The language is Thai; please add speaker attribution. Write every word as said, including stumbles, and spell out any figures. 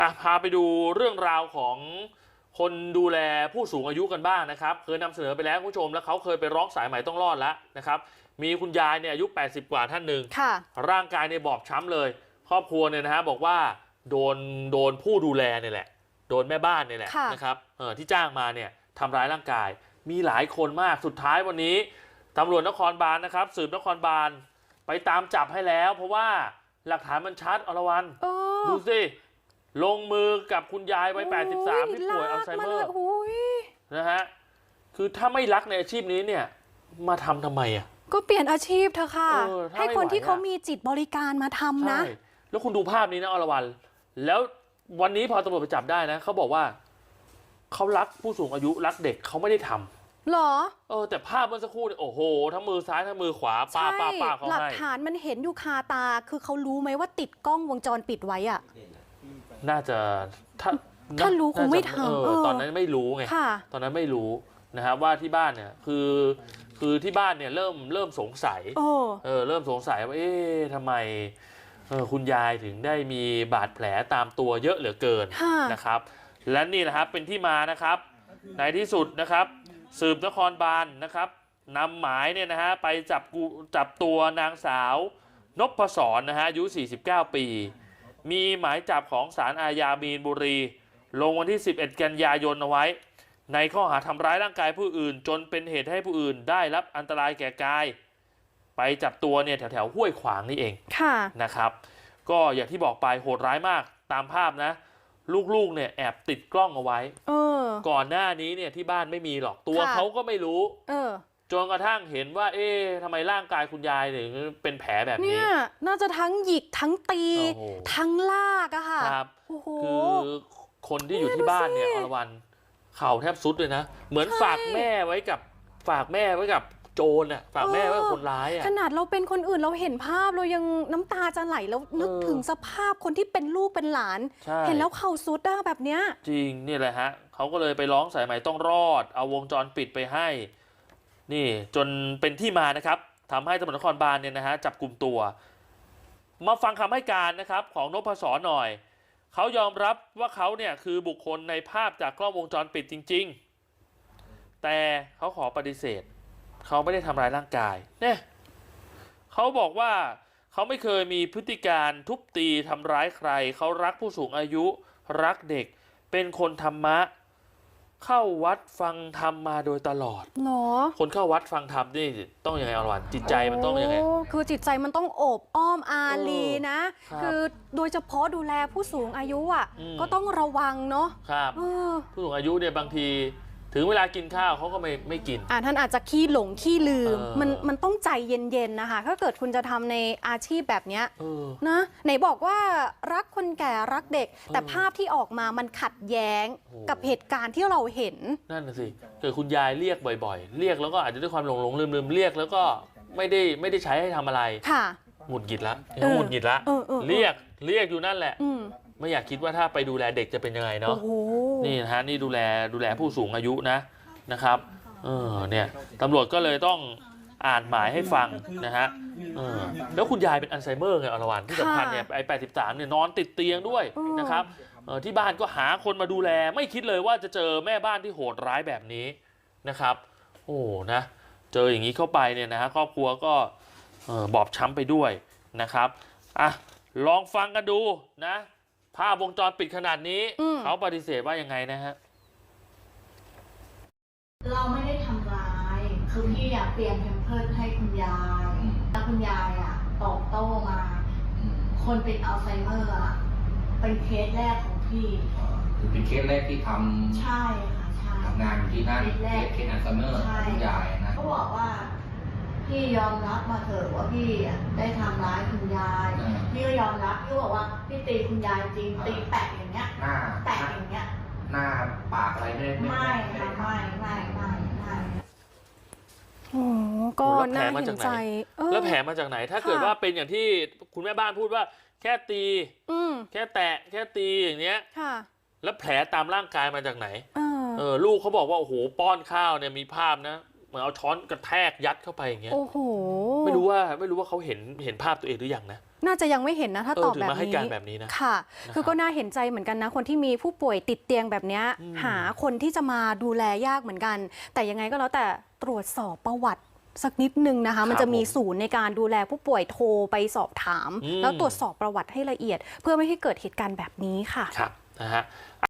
Speaker 1: อ่ะพาไปดูเรื่องราวของคนดูแลผู้สูงอายุกันบ้างนะครับเคยนำเสนอไปแล้วคุณผู้ชมแล้วเขาเคยไปร้องสายใหม่ต้องรอดแล้วนะครับมีคุณยายเนี่ยอายุแปดสิบกว่าท่านหนึ่งร่างกายเนี่ยบอบช้ำเลยครอบครัวเนี่ยนะฮะบอกว่าโดนโดนผู้ดูแลเนี่ยแหละโดนแม่บ้านเนี่ยแหละนะครับเออที่จ้างมาเนี่ยทำร้ายร่างกายมีหลายคนมากสุดท้ายวันนี้ตำรวจนครบาลนะครับสืบนครบาลไปตามจับให้แล้วเพราะว่าหลักฐานมันชัดอรวรรณดูสิลงมือกับคุณยายวัยแปดสิบสามที่ป่วยอัลไซเมอร์นะฮะคือถ้าไม่รักในอาชีพนี้เนี่ยมาทำทำไมอ่ะ
Speaker 2: ก็เปลี่ยนอาชีพเถอะค่ะให้คนที่เขามีจิตบริการมาทำนะ
Speaker 1: แล้วคุณดูภาพนี้นะอรวรรณแล้ววันนี้พอตำรวจไปจับได้นะเขาบอกว่าเขารักผู้สูงอายุรักเด็กเขาไม่ได้ทำ
Speaker 2: หรอ
Speaker 1: เออแต่ภาพเมื่อสักครู่เนี่ยโอ้โหทั้งมือซ้ายทั้งมือขวาป้าป้าป้าเขาให้
Speaker 2: หลักฐานมันเห็นอยู่คาตาคือเขารู้ไหมว่าติดกล้องวงจรปิดไว้อ่ะ
Speaker 1: น่าจะถ้า
Speaker 2: ถ้ารู้คงไม่ท
Speaker 1: ำตอนนั้นไม่รู้ไงตอนนั้นไม่รู้นะครับว่าที่บ้านเนี่ยคือคือที่บ้านเนี่ยเริ่มเริ่มสงสัยเออเริ่มสงสัยว่าเอ๊ะทำไมเออคุณยายถึงได้มีบาดแผลตามตัวเยอะเหลือเกินนะครับและนี่นะครับเป็นที่มานะครับในที่สุดนะครับสืบนครบาลนะครับนำหมายเนี่ยนะฮะไปจับจับตัวนางสาวนพศรนะฮะอายุสี่สิบเก้าปีมีหมายจับของศาลอาญามีนบุรีลงวันที่สิบเอ็ดกันยายนเอาไว้ในข้อหาทำร้ายร่างกายผู้อื่นจนเป็นเหตุให้ผู้อื่นได้รับอันตรายแก่กายไปจับตัวเนี่ยแถวแถวห้วยขวางนี่เองนะครับก็อย่างที่บอกไปโหดร้ายมากตามภาพนะลูกๆเนี่ยแอบติดกล้องเอาไว้ก่อนหน้านี้เนี่ยที่บ้านไม่มีหรอกตัวเขาก็ไม่รู้จนกระทั่งเห็นว่าเอ๊ะทำไมร่างกายคุณยายถึงเป็นแผลแบบนี้
Speaker 2: เนี่ยน่าจะทั้งหยิกทั้งตีทั้งลากอะค่ะ
Speaker 1: ครับคือคนที่อยู่ที่บ้านเนี่ยอรวรรณเข่าแทบสุดเลยนะเหมือนฝากแม่ไว้กับฝากแม่ไว้กับโจรอ่ะฝากแม่ไว้กับคนร้ายอ่ะ
Speaker 2: ขนาดเราเป็นคนอื่นเราเห็นภาพเรายังน้ำตาจะไหลแล้วนึกถึงสภาพคนที่เป็นลูกเป็นหลานเห็นแล้วเข่าสุดอะแบบเนี้ย
Speaker 1: จริงนี่แหละฮะเขาก็เลยไปร้องสายใหม่ต้องรอดเอาวงจรปิดไปให้นี่จนเป็นที่มานะครับทำให้ตำรวจนครบาลเนี่ยนะฮะจับกลุ่มตัวมาฟังคำให้การนะครับของนพศรหน่อยเขายอมรับว่าเขาเนี่ยคือบุคคลในภาพจากกล้องวงจรปิดจริงๆแต่เขาขอปฏิเสธเขาไม่ได้ทำร้ายร่างกายเนี่ยเขาบอกว่าเขาไม่เคยมีพฤติการทุบตีทำร้ายใครเขารักผู้สูงอายุรักเด็กเป็นคนธรรมะเข้าวัดฟังธรรมมาโดยตลอด
Speaker 2: เนาะ
Speaker 1: คนเข้าวัดฟังธรรมนี่ต้องยังไงอรวรรณจิตใจมันต้องยังไง
Speaker 2: คือจิตใจมันต้องโอบอ้อมอารีนะคือโดยเฉพาะดูแลผู้สูงอายุอ่ะก็ต้องระวังเนาะ
Speaker 1: ครับผู้สูงอายุเนี่ยบางทีถึงเวลากินข้าวเขาก็ไม่ไม่กิน
Speaker 2: อ่าท่านอาจจะขี้หลงขี้ลืมมันมันต้องใจเย็นๆนะคะถ้าเกิดคุณจะทำในอาชีพแบบนี้นะไหนบอกว่ารักคนแก่รักเด็กแต่ภาพที่ออกมามันขัดแย้งกับเหตุการณ์ที่เราเห็น
Speaker 1: นั่นน่ะสิเกิดคุณยายเรียกบ่อยๆเรียกแล้วก็อาจจะด้วยความหลงหลงลืมลืมเรียกแล้วก็ไม่ได้ไม่ได้ใช้ให้ทำอะไร
Speaker 2: ค่ะ
Speaker 1: หงุดหงิดละหงุดหงิดละเรียกเรียกอยู่นั่นแหละไม่อยากคิดว่าถ้าไปดูแลเด็กจะเป็นยังไงเนาะนี่นะฮะนี่ดูแลดูแลผู้สูงอายุนะนะครับเออเนี่ยตำรวจก็เลยต้องอ่านหมายให้ฟังนะฮะเออแล้วคุณยายเป็นอัลไซเมอร์ไงอรวรรณที่สำคัญเนี่ยไอ้แปดสิบสามเนี่ยนอนติดเตียงด้วยนะครับเออที่บ้านก็หาคนมาดูแลไม่คิดเลยว่าจะเจอแม่บ้านที่โหดร้ายแบบนี้นะครับโอ้นะเจออย่างนี้เข้าไปเนี่ยนะฮะครอบครัวก็บอบช้ำไปด้วยนะครับอ่ะลองฟังกันดูนะภาพวงจรปิดขนาดนี้เขาปฏิเสธว่ายังไงนะฮะ
Speaker 3: เราไม่ได้ทำร้ายคือพี่อยากเปลี่ยนแพมเพิร์สให้คุณยายแล้วคุณยายอ่ะตอบโต้มาคนเป็นอัลไซเมอร์อ่ะเป็นเคสแรกของพี่
Speaker 4: คือเป็นเคสแรกที่ท
Speaker 3: ำใช่ค่ะใช่
Speaker 4: ทำงานอยู่ที่นั่นเคสอัลไซเมอร์คุณยายนะ
Speaker 3: เขาบอกว่าพี่ยอมรับมาเถอะว่าพี่ได้ทำร้ายคุณยายพี่ก็ยอมรับพี่บอกว่าพี่ตีคุณยายจริงตีแปะอย่างเงี้ยแปะอย่างเงี้ย
Speaker 4: หน้าปากอะไรไม่
Speaker 3: ไม่ไม่ไม่ไม่ไม่ไม่
Speaker 2: โอ้ก็น่าเห็นใจ
Speaker 1: แล้วแผลมาจากไหนถ้าเกิดว่าเป็นอย่างที่คุณแม่บ้านพูดว่าแค่ตีแค่แตะแค่ตีอย่างเงี้ยแล้วแผลตามร่างกายมาจากไหนเออลูกเขาบอกว่าโอ้โหป้อนข้าวเนี่ยมีภาพนะเหมือนเอาช้อนกระแทกยัดเข้าไปอย่างเงี้ย
Speaker 2: โอ้โห
Speaker 1: ไม่รู้ว่าไม่รู้ว่าเขาเห็นเห็นภาพตัวเองหรือยังนะ
Speaker 2: น่าจะยังไม่เห็นนะถ้าตอบแบบ
Speaker 1: เออถึงมาให้
Speaker 2: นี้
Speaker 1: การแบบนี้นะ
Speaker 2: ค่ะ
Speaker 1: นะครับ
Speaker 2: คือก็น่าเห็นใจเหมือนกันนะคนที่มีผู้ป่วยติดเตียงแบบเนี้ย
Speaker 1: อืม
Speaker 2: หาคนที่จะมาดูแลยากเหมือนกัน แต่ยังไงก็แล้วแต่ตรวจสอบประวัติสักนิดนึงนะคะ มันจะมีศูนย์ในการดูแลผู้ป่วยโทรไปสอบถาม
Speaker 1: อืม
Speaker 2: แล้วตรวจสอบประวัติให้ละเอียด เพื่อไม่ให้เกิดเหตุการณ์แบบนี้ค่ะ
Speaker 1: ครับนะฮะ